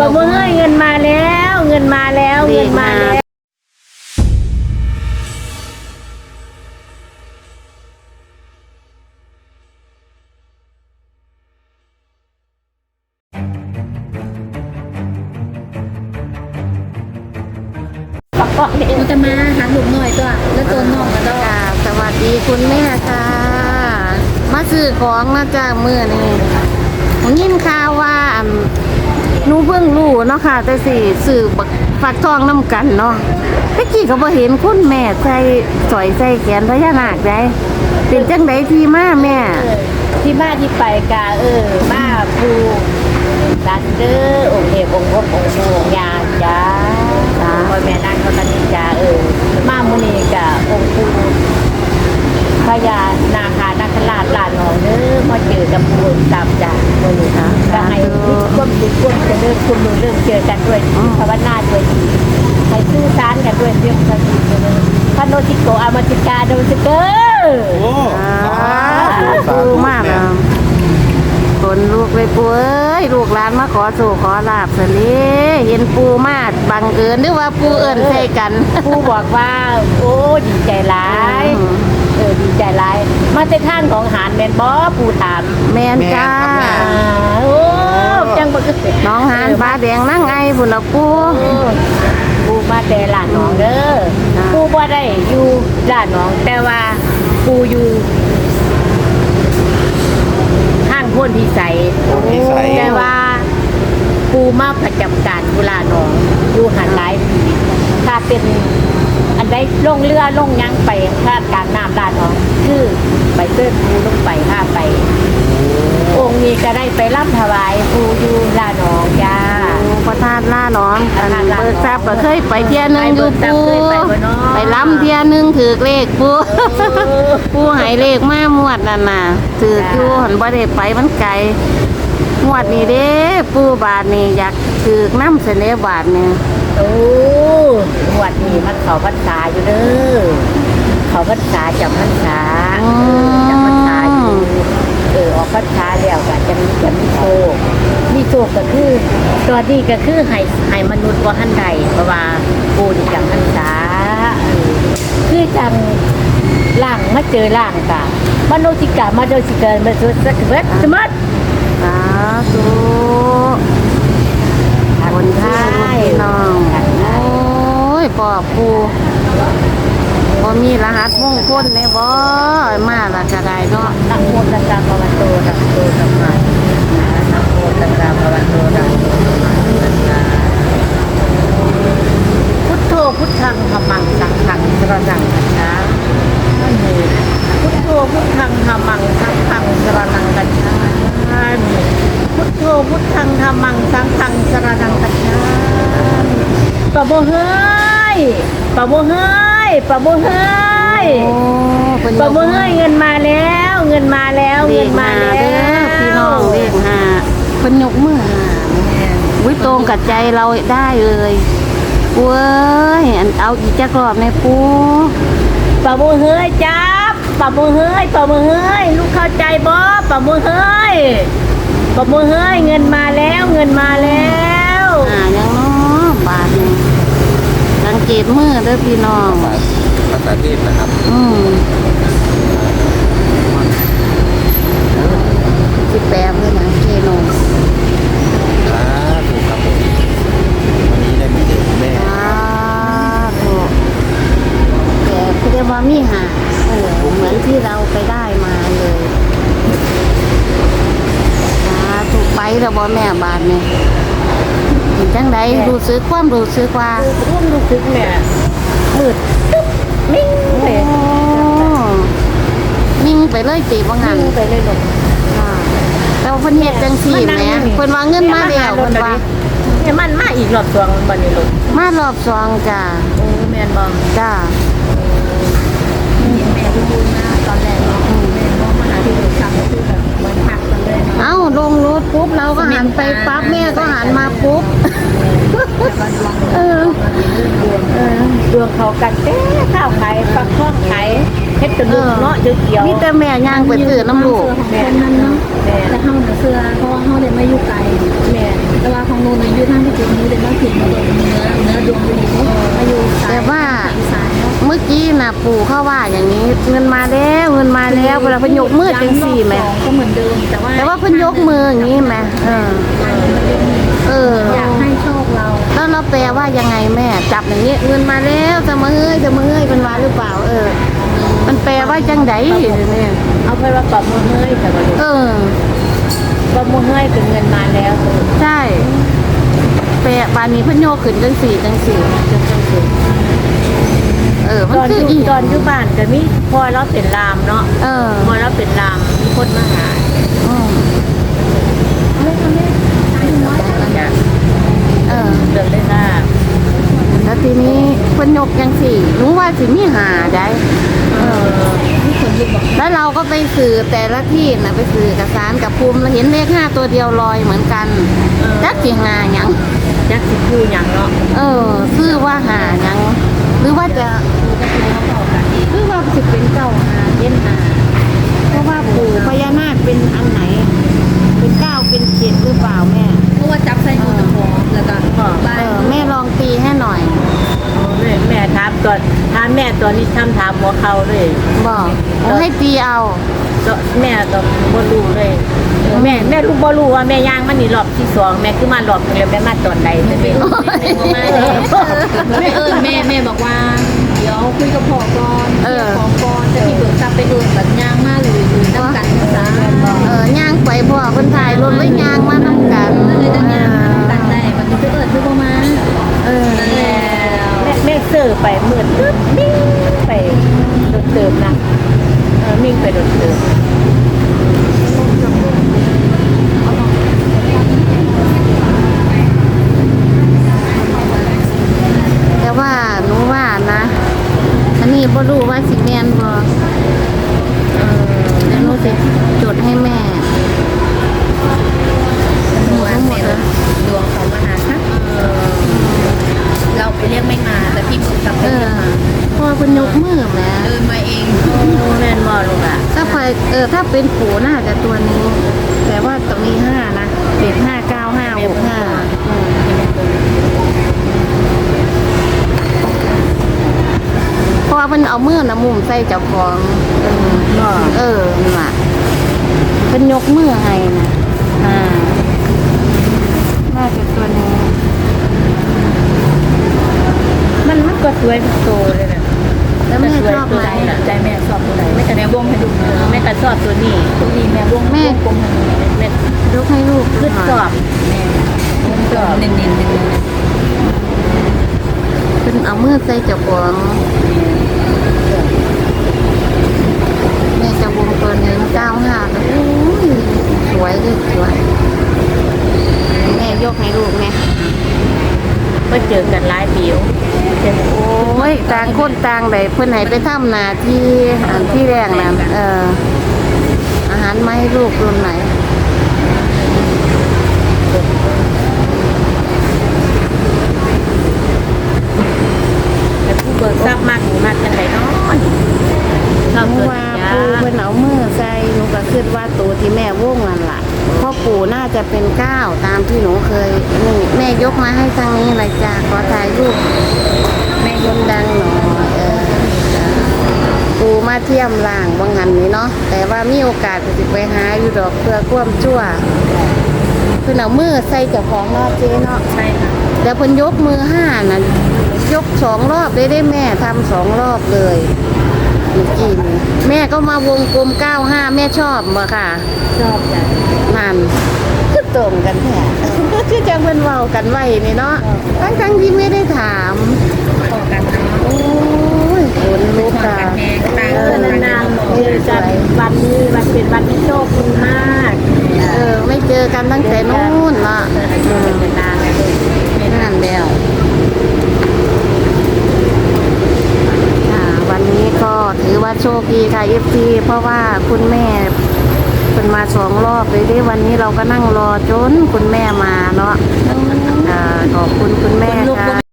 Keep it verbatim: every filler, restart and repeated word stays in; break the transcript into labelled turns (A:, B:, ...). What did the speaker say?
A: บมือให้เงินมาแล้วเงินมาแล้วเงินมาแล้ว
B: มันจะมาหาหนุ่มหน่อยตัวแล้วตัวน้องกันตัวสวัสดีคุณแม่ค่ะมาซื้อของนะจ้าเมื่อนี้ผมยินข่าวว่าหนูเพิ่งรู้เนาะค่ะแต่สิซื้อฝักทองน้ำกันเนาะเมื่อกี้ก็บ่เห็นคุณแม่ใส่สอยใส่แขนพญานาคได้เป็นจังไดที่มาแม่
A: ที่มาที่ไปกาเออมาภูดันเดอร์องค์เอกองค์พบองค์ภูองค์ยาจ้าพ่อแม่นั่งเขาตันจ้าเออมามุนีกะองค์ภูพญานาคานาคราชลานองเด้อมาเจอกับภูตามจ้ามุนีค่ะก็ให้ทุกคนทุกคนจะเลิกคุณรู้เรื่องเจอกันด้วยภาวนาด้วยให้สื่อสารกันด้วยเรื่องภาษีเลยพระโนติโกอามาติกาโดสิเกอร์โอ้
B: ปูมากนะคนลูกเลยปูเอ้ยลูกหลานมาขอสู่ขอลาบสิเห็นปูมากบังเอิญหรือว่าปูเอิญใส่กัน
A: ปูบอกว่าโอ้ดีใจร้ายเออดีใจร้ายมาในทางของหานแมนบอปูถาม
B: แมนจ้า
A: โอ้จังบัก
B: น้องหานฟ้าแดงนั่งไงบุญละปู
A: ปูมาแต่หลานน้องเด้อปูบ่ได้อยู่หลานน้องแต่ว่าปูอยู่ห้างพ้นพิสัยแต่ว่าปูมาประจำการกุลาน้องปูหันหลายปีถ้าเป็นอันใดลงเรือลงยังไปคาดการน้ำลาดน้องคือไปเติร์ปูลงไปห้าไปองค์นี้ก็ได้ไปรับถวายปูอยู่ลาหนองจ้า
B: พระธาตุล่าหนองเบิกทรัพย์ก็เคยไปเที่ยนึงอยู่ปูไปล้ำเที่ยนึงถือเลขปูปูหายเลขมามวดนั่นน่ะถืออยู่หันบ่ได้ไปมันไกลมวดนี้เด้ปูบาทนี่อยากถือน้ำเสนอบาทนี่
A: โอ้มวดนี้มันเขาพรรษาอยู่เด้อเขาพรรษาจำพรรษาจำพรรษาอยู่เออออกพรรษาแล้วก็จะมีจะมีโชคมีโชคก็คือตัวนี้ก็คือให้ให้มนุษย์ว่าท่านใดเพราะว่าปูนี่จำพรรษาคือจังล่างมาเจอล่างกะมโนจิกะมาโดจิกะมาสุดสักเวทสมัด
B: สาธุคนไทยน้องโอ้ยปอบปูบ่มีรหัสมงคลในบ่มาละจะได้เนาะ
A: นะโมตัสสะภะคะวะโตอะระหะโตสัมมานะโมตัสสะภะคะวะโตอะระหะโตสัมมาพุทโธพุทธังธัมมังสังฆังสรณังคัจฉามิพุทโธพุทธังธัมมังสังฆังสรณังคัจฉามิพุทโธพุทธังธัมมังสังฆังสรณังคัจฉามิปะโมเฮ้ยปะโมเฮ้ยปะโมเฮ้ยปะโมเฮ้ยเงินมาแล้วเงินมาแล้วเงินมาแล้ว
B: พี่น้องเลขห้าเพิ่นยกมือหาวิตรงกับใจเราได้เลยปูเอ้ยเอาอีกจักรอบในปู
A: ปะโมเฮ้ยจับปะโมเฮ้ยปะโมเฮ้ยลูกเข้าใจบ่ปะโมเฮ้ยปะโมเฮ้ยเงินมาแล้วเงินมาแล้ว
B: อ่ายังเนาะบาทนี่สังเกตมือเด้อพี่น้อง
C: ภาษาเทพนะครับ
B: อืมสิแปดเลยนะเคโน
C: อ่าถูกครับผมวันนี้ได้มาเจอคุณแม่
B: ถูกแต่คือได้ว่ามีหาเออเหมือนที่เราไปได้มาเลยถูกไปแล้วบ่แม่บาทเนี่ยเห็นจังใดรู้สึกความรู้สึกว่า
A: ความรู้สึกแม่มืดตึ๊บมิ่งไป
B: มิ่งไปเลยตีบ่งั้น
A: ไปเลยลูก
B: แต่ว่าเพิ่นเฮ็ดจังซี่แหมเพิ่นว่าเงินมาแล้วเพิ่นว่า
A: เนี่ยมันมาอีกรอบสองบัดนี้ลูก
B: มารอบสองจ้า
A: โอ้แม่นบ่
B: จ้า
A: แม่ดูนะตอนแรกแม่มองมาหาที่ลูกทำคือแบบเหมือนหักกันเลย
B: เอ้าลงรถปุ๊บเราก็หันไปปั๊บแม่ก็หันมาปุ๊บ
A: เออดวงเขากันเต้ข้าวไข่ฟักทองไข่เฮ็ดกระดูกเนาะเกี่ยว
B: มีแต่แม่ย่างไปซื้อน้ำลูก
A: แม่นั้นเนาะแต่เฮาเสื้อเพราะว่าเฮาได้มาอยู่ไกลแม่แต่ว่าของนู้นอยู่ทางที่
B: ปู่เขาว่าอย่างนี้เงินมาแล้วเงินมาแล้วเวลาเพิ่นยกมือจังสี่ไหม
A: ก็เหมือนเดิมแต่ว่า
B: แต่ว่าเพิ่นยกมืออย่างนี้ไหมเออเออ
A: อยากให้โชคเรา
B: แล้วเราแปลว่ายังไงแม่จับอย่างนี้เงินมาแล้วจะมาเฮ้ยจะมาเฮ้ยเป็นว่าหรือเปล่า เออ มันแปลว่าจังไดเนี่ย
A: เอาไปว่าปอบมือเฮ้ยแต่ว่า
B: เออ
A: ปอบมือเฮ้ยคือเงินมาแล้ว
B: ใช่แปลบานนี้เพิ่นโยกขึ้นจังสี่จังสี่จังสี่เออ มัน
A: ตอน
B: คือ
A: อยู่
B: อี
A: ตอนอยู่บ้านก็มีพอเราเป็นลามเนาะ
B: เออ
A: พอเราเป็นลามมีคนมาหา
B: อืมเออ
A: เดินเลยค่ะ
B: แล้วทีนี้เพิ่นยกจังสี่หนูว่าสิมีหาได้
A: เออมีคนอยู่บอก
B: แล้วเราก็ไปสื่อแต่ละที่นะไปสื่อกับสารกับภูมิเราเห็นเลขห้าตัวเดียวลอยเหมือนกันจักสิหาหยัง
A: ยักษ์สิพูอย่างเนาะ
B: เออซื้อว่าหาหยังหรือว่าจะหรือว่าสิเป็นเก้าหาเย็นหาเพราะว่าปู่พญานาคเป็นอันไหน เป็นเก้าเป็นเจ็ดหรือเปล่าแม่
A: เพราะว่าจับใส่มือพอแล้วก็บ้า
B: เอน อแม่ลองตีให้หน่อย
A: แม่แม่ถามตอนถามแม่ตอนนี้ทำถามหัวเขาเลย
B: บอกเอาให้ตีเอา
A: ก็แม่ก็บ่รู้เลยแม่แม่รู้บ่รู้ว่าแม่ย่างมันนี่รอบที่สองแม่คือมารอบเดียวแม่มาตอนใดแม่ไม่รู้แม่บ่มาเลยแม่เอิ้นแม่แม่บอกว่าเดี๋ยวคุยกับพ่อก่อนเดี๋ยวขอก่อนจะพี่เบิกทรัพย์ไปเอิ้นแบบย่างมาเลยอยู่นำกันซะ
B: เออย่างไปพ่อคนถ่ายรถไว้ย่างมาน้ำกัน
A: เลยจะย่างตั้งได้มันจะเอิ้นคือบ่มา
B: เออ
A: นั่นแหละแม่แม่ซื้อไปหมื่นตึ๊บมิ่งไปโดนเติมนะเออมิ่งไปโดนเติม
B: แต่ว่าหนูว่านะ อันนี้บ่รู้ว่าสิแม่นบ่เออเดี๋ยวหนูสิจดให้แม่หมดทั้งหมดเลย
A: ดวงเขามาหาค่ะเราไปเรียกไม่มาแต่พี่บุญทำ
B: เอ
A: เดิ
B: อน
A: มา
B: พ่อเพิ่นยกมือแหม่
A: เดินมาเองแม่นบ่ลูกอ่ะ
B: ถ้าไปเออถ้าเป็นปู่น่าจะตัวนี้ แต่ว่าตรงนี้ห้านะเจ็ดห้าเก้าห้าหกห้าเพราะว่าเพิ่นเอามือนะมุมใส่เจ้าของเออเออนั่นล่ะเพิ่นยกมือให้นะอ่าน่าจะตัวนี้
A: มันมันก็สวยทุกตัวเลยนะ
B: แล้วแม่ชอบไหม
A: ใจแม่ชอบตัวไหนแม่ก็แม่วงให้ดูแม่ก็ชอบตัวนี้ตัวนี้แม่วง
B: แม่
A: วงให้ดูแม่
B: ยกให้ลูก
A: ขึ้น
B: หน่อย
A: ชอบแม่ชอบเน้นๆเน้น
B: เพิ่นเอามือใส่เจ้าของแม่จะวงตัวหนึ่งเก้าห้าแล้วโอ้ยสวยเลยสวยแม่ยกให้ลูกแม่
A: ก็เจอกันหลายปีอยู่เจอ
B: โอ้ยต่างคนต่างได้เพิ่นให้ไปทำหน้าที่อันที่แรกนะเอออาหารมาให้ลูกรุ่นไหน
A: แต่ผู้เบิกทรัพย์มากหนูมากกันไหนเนาะชอบ
B: หนู
A: ตัว
B: ว่า
A: นี้
B: ปู่เพิ่นเอามือใส่หนูก็คิดว่าตัวที่แม่วงนั่นล่ะเพราะปู่น่าจะเป็นเก้าตามที่หนูเคยนี่แม่ยกมาให้ทางนี้เลยจ้าขอถ่ายรูปแม่ยกดังหน่อยเออจ้าปู่มาเที่ยมล่างบางหันนี้เนาะแต่ว่ามีโอกาสก็สิไปหาอยู่ดอกเพื่อความชั่วเพิ่นเอามือใส่เจ้าของเนาะเจ๊เนาะ
A: ใช่ค่ะ
B: แล้วเพิ่นยกมือห้านะยกสองรอบได้ได้แม่ทำสองรอบเลยเมื่อกี้นี้แม่ก็มาวงกลมเก้าห้าแม่ชอบบ่ค่ะ
A: ชอบจ้ะ
B: นั่นคือตรงกันแท้ คือจังเพิ่นเว้ากันไว้นี่เนาะทั้งทั้งๆที่ไม่ได้ถาม
A: พอกันเนาะ
B: โอ้ยขนลุกค่ะ
A: แม่ตาเออนานๆเจอกันวันนี้วันเป็นวันที่โชคดีมาก
B: เออไม่เจอกันตั้งแต่นู้นเนาะ
A: เจอกันนานเลย
B: นั่นแล้วค่ะวันนี้ก็ถือว่าโชคดีค่ะ เอฟ ซี เพราะว่าคุณแม่เป็นมาสองรอบเลยได้วันนี้เราก็นั่งรอจนคุณแม่มาเนาะอ่าขอบคุณคุณแม่ค่ะ